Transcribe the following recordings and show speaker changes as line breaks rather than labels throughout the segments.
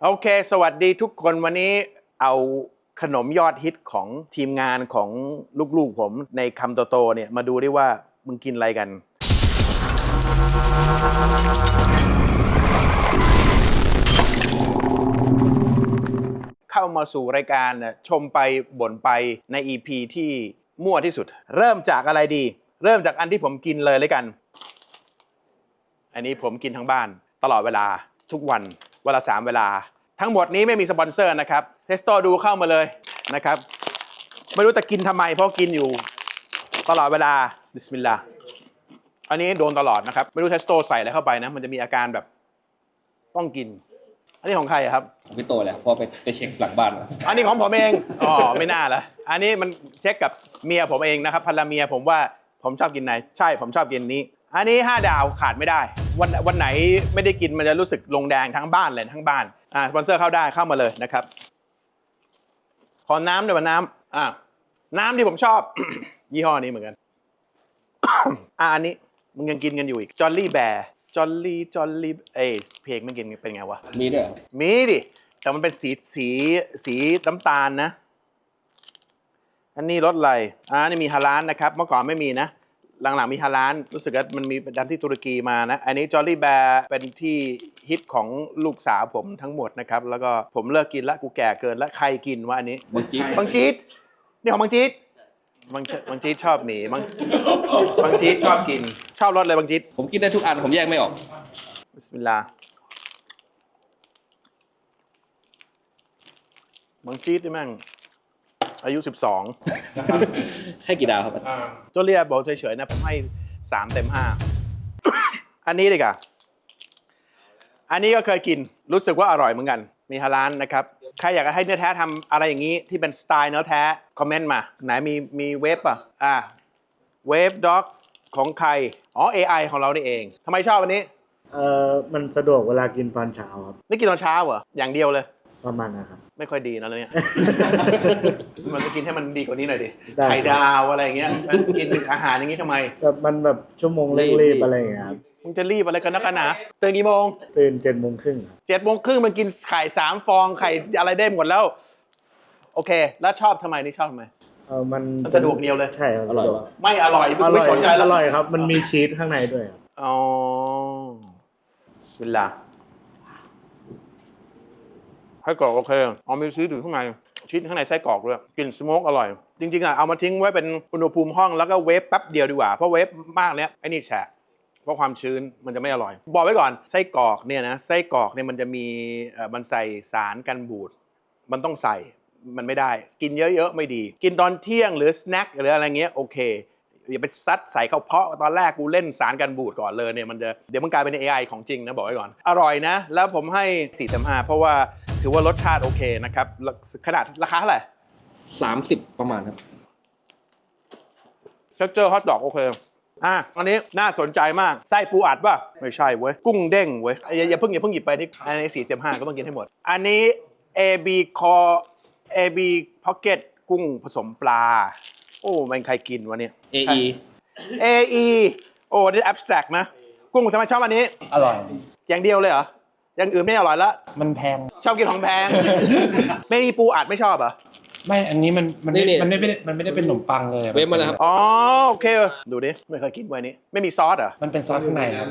โอเคสวัสดีทุกคนวันนี้เอาขนมยอดฮิตของทีมงานของลูกๆผมในคำโตๆเนี่ยมาดูได้ว่ามึงกินอะไรกันเข้ามาสู่รายการชมไปบ่นไปใน EP ที่มั่วที่สุดเริ่มจากอะไรดีเริ่มจากอันที่ผมกินเลยกันอันนี้ผมกินทั้งบ้านตลอดเวลาทุกวันเวลา3 เวลาทั้งหมดนี้ไม่มีสปอนเซอร์นะครับเทสโตดูเข้ามาเลยนะครับไม่รู้จะกินทำไมเพราะกินอยู่ตลอดเวลาบิสมิลลาห์อันนี้โดนตลอดนะครับไม่รู้เทสโตใส่อะไรเข้าไปนะมันจะมีอาการแบบต้องกินอันนี้ของใครครับ
ของพี่โตแหละพอไปเช็คหลังบ้าน
อันนี้ของผมเองอ๋อไม่น่าละอันนี้มันเช็คกับเมียผมเองนะครับภรรยาผมว่าผมชอบกินไหนใช่ผมชอบกินนี้อันนี้5 ดาวขาดไม่ได้วันไหนไม่ได้กินมันจะรู้สึกลงแดงทั้งบ้านเลยทั้งบ้านสปอนเซอร์เข้าได้เข้ามาเลยนะครับขอน้ำหน่อยน้ำน้ำที่ผมชอบ ยี่ห้อนี้เหมือนกัน อันนี้มึงยังกินกันอยู่อีกจอลลี่แบร์จอลลี่เพลงมันกินเป็นไงวะ
มีด้วย
มีดิแต่มันเป็นสีน้ำตาลนะอันนี้รสอะไรนี่มีฮาลาลนะครับเมื่อก่อนไม่มีนะหลังๆมีฮาลาลรู้สึกว่ามันมีดันที่ตุรกีมานะอันนี้จอลลี่แบร์เป็นที่ฮิตของลูกสาวผมทั้งหมดนะครับแล้วก็ผมเลิกกินละกูแก่เกินละใครกินวะอันนี้บางจี๊ดนี่ของบางจี๊ดบางจี๊ดชอบหนีบางจี๊ดชอบกินชอบรสเลยบางจี๊ด
ผมกินได้ทุกอันผมแยกไม่ออก
บิสมิลลาห์บางจี๊ดนี่แม่งอายุ12
ให้กี่ดาวครับ
ตัวเรียบอกเฉยๆนะผมให้3 เต็ม 5 อันนี้เลยค่ะอันนี้ก็เคยกินรู้สึกว่าอร่อยเหมือนกันมีฮาลาลนะครับใครอยากให้เนื้อแท้ทำอะไรอย่างนี้ที่เป็นสไตล์เนื้อแท้คอมเมนต์มาไหนมีเวฟป่ะเวฟด็อกของใครAI ของเรานี่เองทำไมชอบอันนี้
มันสะดวกเวลากินตอนเช้าครับ
นี่กินตอนเช้าเหรออย่างเดียวเลย
ประมาณนะครับ
ไม่ค่อยดีนะเนี่ย มันจะกินให้มันดีกว่านี้หน่อยดิไข่ดาวอะไรอย่างเงี้ยกินอาหารอย่างงี้ทำไม
แบบมันแบบชั่วโมงเร่งรีบอะไรอย่างเงี้ยครับ
มึงจะรีบอะไรกันนักกันหนาตื่นกี่โมง
ตื่น7:30ครับ
7:30มันกินไข่3 ฟองไข่อะไรได้หมดแล้วโอเคแล้วชอบทำไมนี่ชอบทำไม
มัน
สะดวกเดียวเลย
ใช่ครับ
อร่อย
ไม่อร่อยไม่สนใจแล้ว
อร่อยครับมันมีชีสข้างในด้วยครับ
อ๋อบิสมิลลาห์ไส้กรอกโอเคมีชีสอยู่ข้างในชีสข้างในไส้กรอกด้วยกลิ่นสโมกอร่อยจริงๆเอามาทิ้งไว้เป็นอุณหภูมิห้องแล้วก็เวฟแป๊บเดียวดีกว่าเพราะเวฟมากเนี้ยไอ้นี่แฉะเพราะความชื้นมันจะไม่อร่อยบอกไว้ก่อนไส้กรอกเนี่ยนะไส้กรอกเนี่ยมันจะมีมันใส่สารกันบูดมันต้องใส่มันไม่ได้กินเยอะๆไม่ดีกินตอนเที่ยงหรือสแน็คหรืออะไรเงี้ยโอเคอย่าไปซัดใส่เข้าเพาะตอนแรกกูเล่นสารกันบูดก่อนเลยเนี่ยมันจะเดี๋ยวมันกลายเป็น AI ของจริงนะบอกไว้ก่อนอร่อยนะแล้วผมให้4 เต็ม 5เพราะว่าถือว่ารสชาติโอเคนะครับขนาดราคาเท่าไหร่
30ประมาณครับ
เท็กเจอร์ฮอทดอกโอเคอันนี้น่าสนใจมากไส้ปูอัดป่ะไม่ใช่เว้ยกุ้งเด้งเว้ยอย่าเพิ่งหยิบไปนี่อันนี้4 เต็ม 5ก็ต้องกินให้หมดอันนี้ AB Pocket กุ้งผสมปลาโอ้มันใครกินวะเนี่ย AE โอ้นี่ abstract นะกุ้งทำไมชอบอันนี้
อร่อย
อย่างเดียวเลยเหรออย่างอื่นไม่อร่อยแล้ว
มันแพง
ชอบกินของแพง ไม่มีปูอัดไม่ชอบเหรอ
ไม่อันนี้มันไม่ได้เป็นขนมปังเลย
เวฟมาแล้วครับ
โอเคดูดิไม่เคยกินไว้นี้ไม่มีซอสเหรอ
มันเป็นซอสข้างในครับ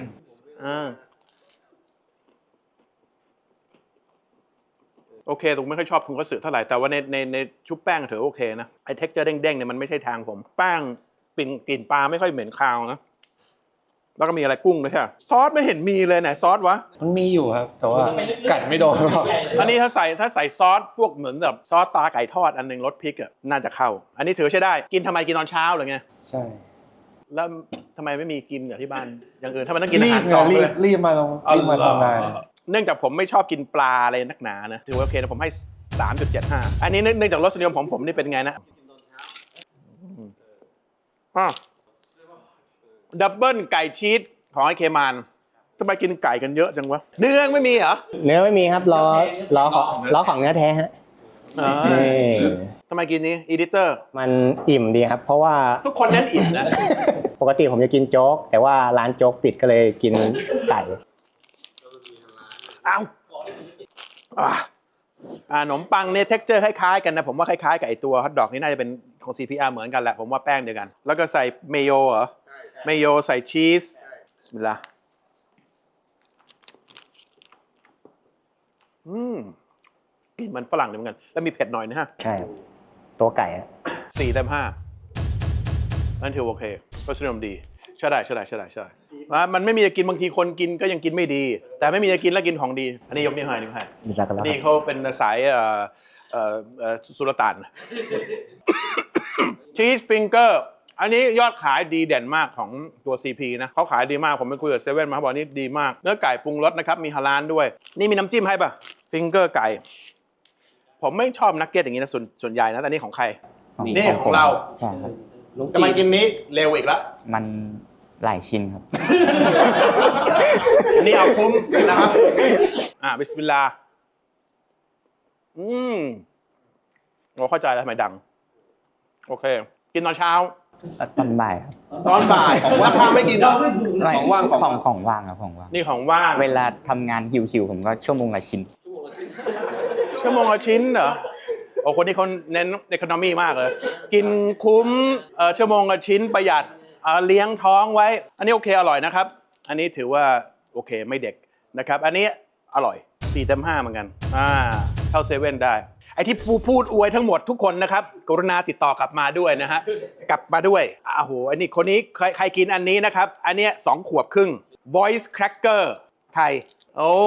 โอเคผมไม่ค่อยชอบถุงกระสือเท่าไหร่แต่ว่าในชุบแป้งถือโอเคนะไอ้เท็กเจอร์เด้งๆเนี่ยมันไม่ใช่ทางผมแป้งกลิ่นปลาไม่ค่อยเหม็นคาวนะแล้วก็มีอะไรกุ้งด้วยใช่ไหมซอสไม่เห็นมีเลยไหนซอสวะ
มันมีอยู่ครับแต่ว่ากัดไม่โดนหรอก
อันนี้ถ้าใส่ซอสพวกเหมือนแบบซอสตาไก่ทอดอันนึงรสพริกอ่ะน่าจะเข้าอันนี้ถือใช้ได้กินทำไมกินตอนเช้าหรือไง
ใช่
แล้วทำไมไม่มีกินกับที่บ้านอย่างอื่นถ้ามันต้องกินอาหารสองเลย
รีบมาทำงาน
เนื่องจากผมไม่ชอบกินปลาอะไรนักหนานะถือว่าโอเคนะผมให้ 3.75 อันนี้เนื่องจากรสนิยมผมนี่เป็นไงนะดับเบิลไก่ชีสของไอ้เคมานทำไมกินไก่กันเยอะจังวะเนื้อไม่มีเหรอ
เนื้อไม่มีครับล้อของเนื้อแท้ฮะ
ทำไมกินนี้อีดิเตอร์
มันอิ่มดีครับเพราะว่า
ทุกคนนั้นอิ่มนะ
ปกติผมจะกินโจ๊กแต่ว่าร้านโจ๊กปิดก็เลยกินไก่
ขนมปังเนี่ยเท็กเจอร์คล้ายๆกันนะผมว่าคล้ายๆกับไอตัวฮอทดอกนี่น่าจะเป็นของ CPR เหมือนกันแหละผมว่าแป้งเดียวกันแล้วก็ใส่เมโยเหรอเมโยใส่ชีสบิสมิลลาห์กลิ่นมันฝรั่งเหมือนกันแล้วมีเผ็ดหน่อยนะฮะ
ใช่ครับตัวไก่อะ
4/5นั่นถือโอเครสนิยมดีใช่ได้มันไม่มีจะกินบางทีคนกินก็ยังกินไม่ดี แต่ไม่มีจะกินแล้วกินของดีอันนี้ยกนิ้วให้
บิซากัลลา
นี่เขาเป็นสายสุลต่าน ชีสฟิงเกอร์อันนี้ยอดขายดีเด่นมากของตัว CP นะเขาขายดีมากผมไปคุยกับเซเว่นมาเขาบอกนี่ดีมากเนื้อไก่ปรุงรสนะครับมีฮาลาลด้วย นี่มีน้ำจิ้มให้ป่ะฟิงเกอร์ไก่ผมไม่ชอบนักเก็ตอย่างนี้นะส่วนใหญ่นะแต่นี่ของใครนี่ของเรา
ใช่ครับ
จะมากินนี้เร็วอีกแล้ว
มันหลายชิ้นครับ
อันนี้เอาคุ้มนะครับบิสมิลลาห์เราเข้าใจแล้วทำไมดังโอเคกินตอนเช้า
ตอนบ่ายครับ
ตอนบ่ายว่าข้าวไม่กินเหรอ
ของว่าง
ของว่างครับของว่าง
นี่ของว่าง
เวลาทำงานหิวๆผมก็ชั่วโมงละชิ้น
ชั่วโมงละชิ้นเหรอโอ้คนนี้เขาเน้นเอคอนอมี่มากเลยกินคุ้มชั่วโมงละชิ้นประหยัดเลี้ยงท้องไว้อันนี้โอเคอร่อยนะครับอันนี้ถือว่าโอเคไม่เด็กนะครับอันนี้อร่อย4/5เหมือนกันเท่าเซเว่นได้ไอ้ที่พูดอวยทั้งหมดทุกคนนะครับกรุณาติดต่อกลับมาด้วยนะฮะกลับมาด้วยโอ้โหอันนี้คนนี้ใครกินอันนี้นะครับอันเนี้ย2 ขวบครึ่ง Voice Cracker ไทยโอ้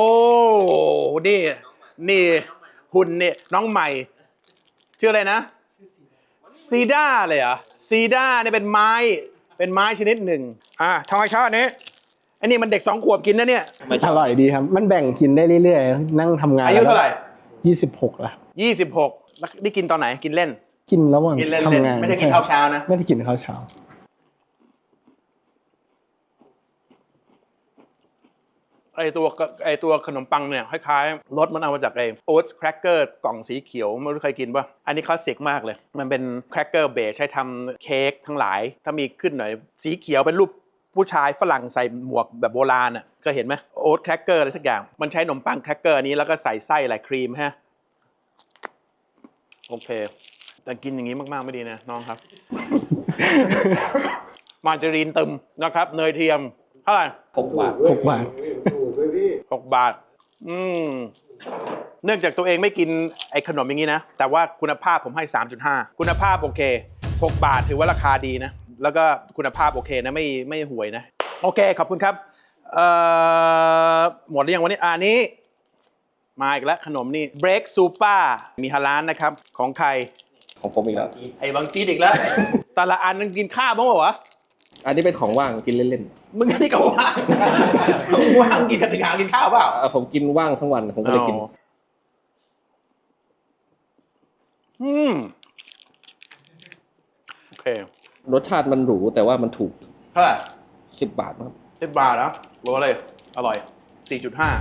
นี่หุ่นเนี่ยน้องใหม่ชื่ออะไรนะซีด้าเลยเหรอซีด้าเนี่ยเป็นไม้ชนิดหนึ่งทำไมชอบอันนี้มันเด็ก2 ขวบกินนะเนี่ย
อร่อยดีครับมันแบ่งกินได้เรื่อยๆนั่งทำงาน
อายุเท่าไหร่
26แล้ว
26แล้วนี่กินตอนไหนกินเล่น
กินระหว่างทำงาน
ไม่ได้กินข้าวเช้านะ
ไม่ได้กินข้าวเช้า
ไอตัวขนมปังเนี่ยคล้ายๆรสมันเอามาจากไอโอ๊ตแครกเกอร์กล่องสีเขียวไม่รู้ใครกินป่ะอันนี้คลาสสิกมากเลยมันเป็นแครกเกอร์เบสใช้ทำเค้กทั้งหลายถ้ามีขึ้นหน่อยสีเขียวเป็นรูปผู้ชายฝรั่งใส่หมวกแบบโบราณอ่ะก็เห็นไหมโอ๊ตแครกเกอร์อะไรสักอย่างมันใช้ขนมปังแครกเกอร์นี้แล้วก็ใส่ไส้อะไรครีมฮะโอเคแต่กินอย่างนี้มากๆไม่ดีนะน้องครับ มาการีนตึมนะครับเนยเทียมเท่าไหร่
6 บาท
6 บาทเนื่องจากตัวเองไม่กินไอ้ขนมอย่างนี้นะแต่ว่าคุณภาพผมให้ 3.5 คุณภาพโอเค6 บาทถือว่าราคาดีนะแล้วก็คุณภาพโอเคนะไม่ห่วยนะโอเคขอบคุณครับหมดหรือยังวันนี้อันนี้มาอีกแล้วขนมนี่ Break Super มีฮาลาลนะครับของใคร
ของผมอีกแล้ว
ไอ้บางจีดอีกแล้วแต่ละอันนึงกินข้าวบ้างเปล่าวะ
อันนี้เป็นของว่างกินเล่น
ๆมึงนี่ก็ว่างว่างกินแต่งานกินข้าวเปล่า
ผมกินว่างทั้งวันผมก็เลยกิน
โอเค
รสชาติมันหรูแต่ว่ามันถูก
เท่าไหร่
10 บาทครับ
10 บาทแล้วรู้เลยอร่อย 4.5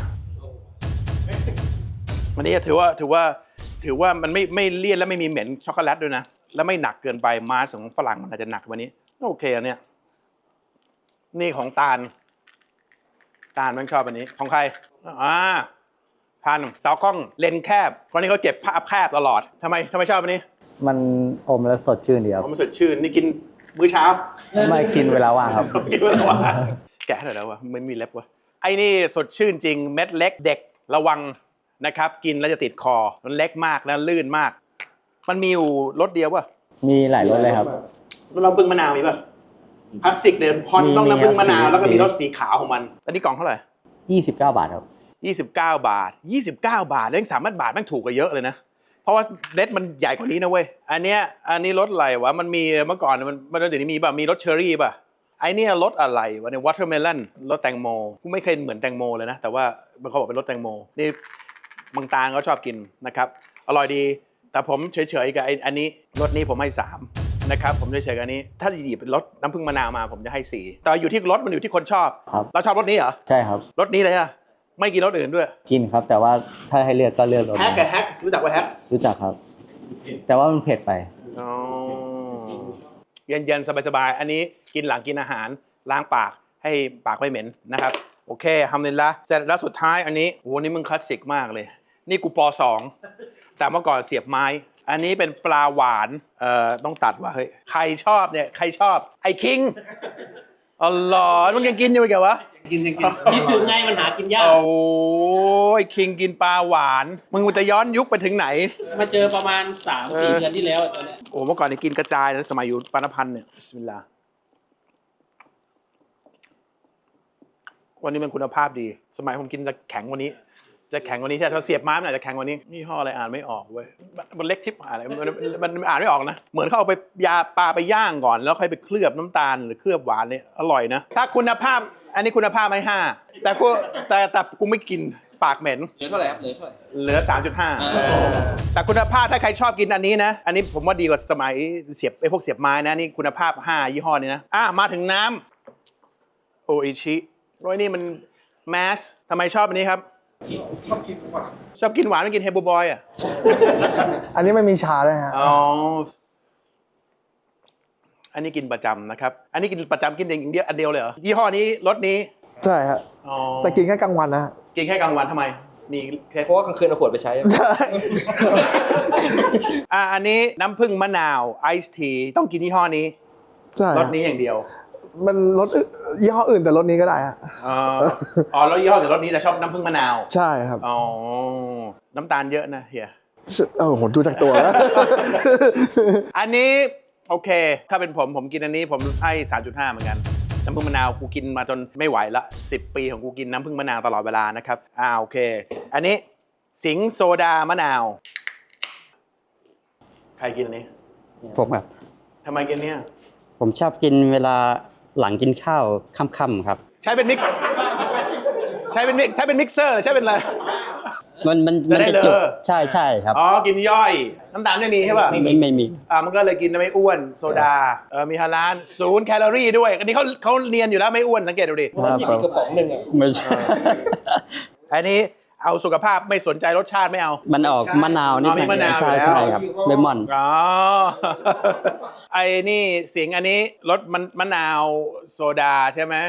วันนี้ถือว่ามันไม่เลี่ยนและไม่มีเหม็นช็อกโกแลตด้วยนะและไม่หนักเกินไปมาสของฝรั่งมันอาจจะหนักวันนี้โอเคอันเนี้ยนี่ของตาลมันชอบอันนี้ของใครทานตากล้องเลนแคบคนนี้เขาเก็บภาพแคบตลอดทำไมชอบอันนี้
มันอมแล้วสดชื่นดีครับ
มันสดชื่นนี่กินมื้อเช้า
ไม่กินเวลาว่างครับ
กินเวลาว่างแกะหน่อยแล้ววะไม่มีเล็บวะไอ้นี่สดชื่นจริงเม็ดเล็กเด็กระวังนะครับกินแล้วจะติดคอมันเล็กมากแล้วลื่นมากมันมีอยู่รสเดียวป่ะ
มีหลายรสเลยครับ
น้ำผึ้งมะนาวมีป่ะคลาสสิกเดิมพอนต้องน้ำผึ้งมะนาวแล้วก็มีรสสีขาวของมันอันนี้กล่องเท่าไหร่
29 บาทครับ
29 บาทแล้วยัง3 บาทแม่งถูกกว่าเยอะเลยนะเพราะว่าเล็ดมันใหญ่กว่านี้นะเว้ยอันนี้รสอะไรวะมันมีเมื่อก่อนมันเดี๋ยวนี้มีป่ะมีรสเชอร์รี่ป่ะไอเนี่ยรสอะไรวะเนี่ยวอเตอร์เมลอนรสแตงโมกูไม่เคยเหมือนแตงโมเลยนะแต่ว่าเขาบอกเป็นรสแตงโมนี่บางตาเขาชอบกินนะครับอร่อยดีแต่ผมเฉยๆกับอันนี้รสนี้ผมให้3นะครับผมเฉยๆกับอันนี้ถ้าหยิบเป็นรสน้ำผึ้งมะนาวมาผมจะให้4แต่อยู่ที่รสมันอยู่ที่คนชอบเราชอบรสนี้เหรอ
ใช่ครับ
รสนี้เลยอะไม่กินรสอื่นด้วย
กินครับแต่ว่าถ้าให้เลือกก็เลือกรส
แฮกกับแฮกรู้จักว่าแฮก
รู้จักครับแต่ว่ามันเผ็ดไป
เย็นๆสบายๆอันนี้กินหลังกินอาหารล้างปากให้ปากไม่เหม็นนะครับโอเคทำเลยละเสร็จแล้วสุดท้ายอันนี้โหนี่มึงคลาสสิกมากเลยนี่กูป.2 แต่เมื่อก่อนเสียบไม้ อันนี้เป็นปลาหวานต้องตัดว่าเฮ้ยใครชอบเนี่ยใครชอบไอ้คิงอ๋อเหรอมึงยังกินอยู่ไหมแกวะ
คิดถึงไงมันหากินยาก
โอ้ยคิงกินปลาหวานมึงจะย้อนยุคไปถึงไหน
มาเจอประมาณ 3-4 เดือนที่แล้วตอนเนี้ย
โอ้เมื่อก่อนนี่กินกระจายนะสมัยอยู่ปานพันธ์เนี่ยบิสมิลลาห์วันนี้มันคุณภาพดี สมัยผมกินจะแข็งกวันนี้ จะแข็งกวันนี้ใช่ไหมเสียบไม้มันอาจจะแข็งกวันนี้นี่ห่ออะไรอ่านไม่ออกเว้ยมันเล็กทิปอะไรมันอ่านไม่ออกนะเหมือนเขาเอาไปยาปลาไปย่างก่อนแล้วค่อยไปเคลือบน้ำตาลหรือเคลือบหวานเนี่ยอร่อยนะถ้าคุณภาพอันนี้คุณภาพไม่5แต่กูไม่กินปากเหม็น
เหลือเท่าไหร่ครับเหลือเท่าไหร่
เหลือ 3.5 แต่คุณภาพถ้าใครชอบกินอันนี้นะ อันนี้ผมว่าดีกว่าสมัยเสียบพวกเสียบไม้นะนี่คุณภาพ5ยี่ห้อนี้นะมาถึงน้ำโออิชิโอ้ยนี่มันแมสทำไมชอบอันนี้ครับชอบกินหวานไม่กินเฮบูบอยอ่ะ
อันนี้ไม่มีชาด้วยฮะ
อ๋ออันนี้กินประจำนะครับอันนี้กินประจำกินอย่างเดียวอันเดียวเลยเหรอยี่ห้อนี้รสนี้
ใช่ฮะ
อ๋อ
แต่กินแค่กลางวันนะฮะ
กินแค่กลางวันทำไมมีแค่
เพราะว่ากลางคืนเอาขวดไปใช้
อันนี้น้ำผึ้งมะนาวไอซ์ทีต้องกินยี่ห้อนี้
ใช่
ร
ฮะ
สนี้อย่างเดียว
มันรสยี่ห้ออื่นแต่รสนี้ก็ได้ฮะ
อ๋อแล้วยี่ห้อแต่รสนี้จะชอบน้ำผึ้งมะนาว
ใช่ครับ
อ๋อน้ำตาลเยอะนะเฮีย
ผมดูจากตัวแล้ว
อันนี้โอเค ถ้าเป็นผมกินอันนี้ผมให้ 3.5 เหมือนกันน้ำผึ้งมะนาวกูกินมาจนไม่ไหวละ10 ปีของกูกินน้ำผึ้งมะนาวตลอดเวลานะครับโอเค อันนี้สิงห์โซดามะนาวใครกินอันนี้
ผมครับ
ทำไมกินเนี่ย
ผมชอบกินเวลาหลังกินข้าวค่ำๆครับ
ใช้เป็นมิกซ์ใช้เป็นมิกเซอร์หรือใช้เป็นอะไร
มัน
จะได้
จะจุก
เลอ
ใช่ครับ
อ๋อกินย่อยน้ำตาลไม่มีใช่ป่ะ
ไม่มี
มันก็เลยกินไม่อ้วนโซดามีฮาลาล0 แคลอรี่ด้วยอันนี้เขาเนียนอยู่แล้วไม่อ้วนสังเกตดูดิ
มันหยิบอีกกระป๋องหนึ่งอ่ะ
ไม่ใช่
อันนี้เอาสุขภาพไม่สนใจรสชาติไม่เอา
มันออกมะนาวนิดห
มี
น่
มะนาว
ใช่
อยู่แล้ว
ใช่ครับเลมอน
อ๋อ ไอ้นี่เสียงอันนี้รสมะนาวโซดาใช่ไหม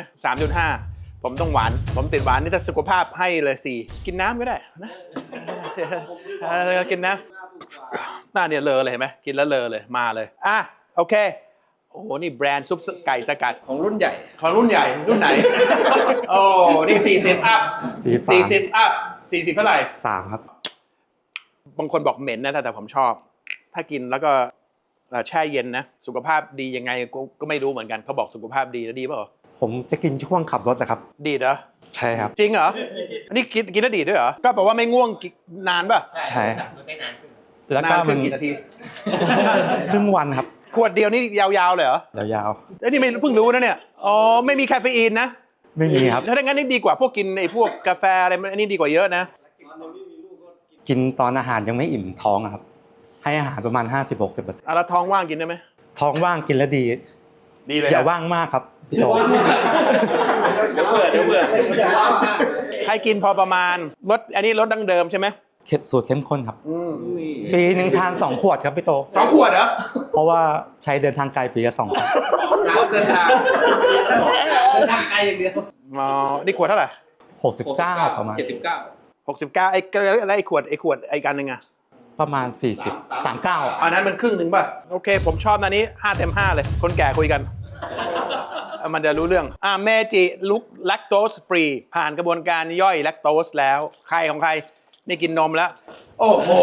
3.5 ผมต้องหวานผมติดหวานนี่ถ้าสุขภาพให้เลย4กินน้ำก็ได้นะกินน้ำหน้าเนี่ยเลอเลยเห็นไหมกินแล้วเลอเลยมาเลยโอเคโอ้โหนี่แบรนด์ซุปไก่สกัด
ของรุ่นใหญ่
ของรุ่นใหญ่รุ่นไหน โอ้นี่40 อัพ40 อัพ40เท่าไหร่
3 ครับ
บางคนบอกเหม็นนะแต่ผมชอบ ถ้ากินแล้วก็แช่เย็นนะสุขภาพดียังไงก็ไม่รู้เหมือนกันเขาบอกสุขภาพดีแล้วดีเปล่า
ผมจะกินช่วงขับรถนะครับ
ดีเหรอ
ใช่ครับ
จริงเหรออันนี้กินแล้วดีด้วยเหรอก็แปลว่าไม่ง่วงนานป่ะ
ใช่แล้ว
นา
ก็
นขึ้
มัน น
กี่นาที
ครึ่งวันครับ
ขวดเดียวนี่ยาวๆเลยเหรอย
าว
เอ้ยนี่ไม่เพิ่งรู้นะเนี่ยอ๋อไม่มีคาเฟอีนนะ
ๆไม่มีครับ
ถ้าอย่างนั้นนี่ดีกว่าพวกกินไอ้พวกกาแฟอะไรอันนี้ดีกว่าเยอะนะ
กินตอนอาหารยังไม่อิ่มท้องอะครับ ให้อาหารประมาณ 50-60%
แล้วท้องว่างกินได้ไหม
ท้องว่างกินแล้วดี
ดีเลย
อย่า
นะ
ว่างมากครับพี่โต
เดี๋ยวเบื่อ
ให้กินพอประมาณอันนี้รสดั้งเดิมใช่ไหม
สูตรเข้มข้นครับ ปีหนึ่งทาน 2 ขวดครับพี่โต
2 ขวดเหรอ
เพราะว่าใช้เดินทางไกลปีละ2 ครั้ง
เดินทางไกลอย่างเดียว
นี่ขวดเท่าไหร่
69ประมาณ
79
69ไอ้ขวดไอ้กันหนึ่งอะ
ประมาณ 40 39
อันนั้นมันครึ่งหนึ่งป่ะโอเค ผมชอบอันนี้5 เต็ม 5เลยคนแก่คุยกันมันจะรู้เรื่องเมจิลุกแลคโตสฟรีผ่านกระบวนการย่อยแลคโตสแล้วใครของใครนี่กินนมแล้วโอ้โห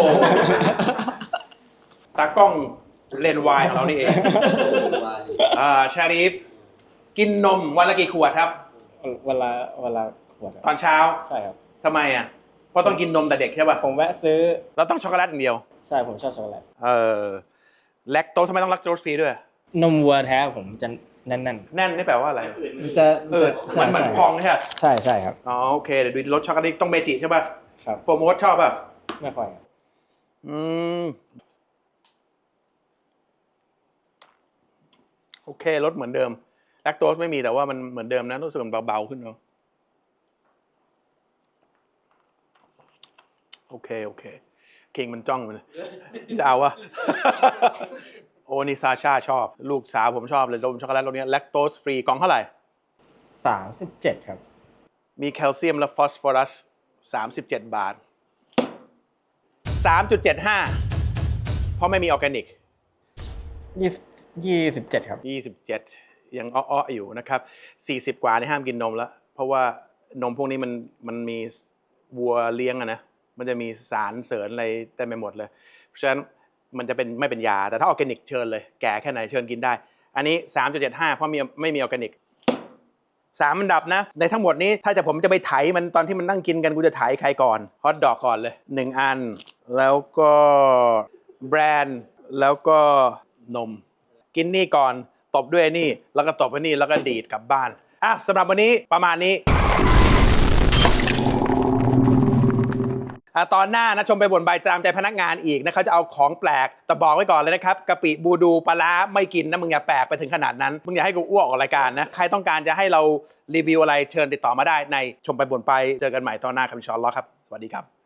ตากล้องเลนส์วายของเรานี่เองชารีฟกินนมวันละกี่ขวดครับ
วันละขวด
ตอนเช้า
ใช่ครับ
ทำไมอ่ะเพราะต้องกินนมแต่เด็กใช่ป่ะ
ผมแวะซื้อ
แล้วต้องช็อกโกแลตอย่างเดียว
ใช่ผมชอบช็อกโกแลต
แลคโตสทำไมต้องแลคโตสฟรีด้วย
นมวัวแท้ผมจะแน่น
แน่นนี่แปลว่าอะไร
ๆมันจะ
มันเหมือนพองใช่ไหม
ใช่ครับ
อ๋อโอเคเดี๋ยวดูรสช็อกโกแลตต้องเมจิใช่ป่ะ
ครับ
โฟร์โมสชอบป่ะ
ไม่ค่อยครับ
โอเครสเหมือนเดิมแลคโตสไม่มีแต่ว่ามันเหมือนเดิมนะรู้สึกมันเบาๆขึ้นเนาะโอเคคิงมันจ้องมันดาววะ โอ้นี่ซาชาชอบลูกสาวผมชอบเลยนมช็อกโกแลตรสนี้แลคโตสฟรีกล่องเท่าไหร่
37ครับ
มีแคลเซียมและฟอสฟอรัส37 บาท 3.75 เพราะไม่มีออร์แกนิก
27 ครับ
27 ยังอ้อๆอยู่นะครับ40 กว่านี่ห้ามกินนมแล้ว เพราะว่านมพวกนี้มันมีวัวเลี้ยงอะนะมันจะมีสารเสริญอะไรเต็มไปหมดเลยเพราะฉะนั้นมันจะเป็นไม่เป็นยาแต่ถ้าออร์แกนิกเชิญเลยแก่แค่ไหนเชิญกินได้อันนี้ 3.75 เพราะไม่มีออร์แกนิก3 อันดับนะในทั้งหมดนี้ถ้าผมจะไปไถมันตอนที่มันนั่งกินกันกูจะไถใครก่อนฮอทดอกก่อนเลย1 อันแล้วก็แบรนด์แล้วก็นมกินนี่ก่อนตบด้วยนี่แล้วก็ตบไปนี่แล้วก็ดีดกลับบ้านสำหรับวันนี้ประมาณนี้ตอนหน้านะชมไปบ่นใบตามใจพนักงานอีกนะเขาจะเอาของแปลกแต่บอกไว้ก่อนเลยนะครับกะปิบูดูปลาร้าไม่กินนะมึงอย่าแปลกไปถึงขนาดนั้นมึงอย่าให้กูอ้วกออกรายการนะใครต้องการจะให้เรารีวิวอะไรเชิญติดต่อมาได้ในชมไปบ่นไปเจอกันใหม่ตอนหน้าครับอินชาอัลเลาะห์ครับสวัสดีครับ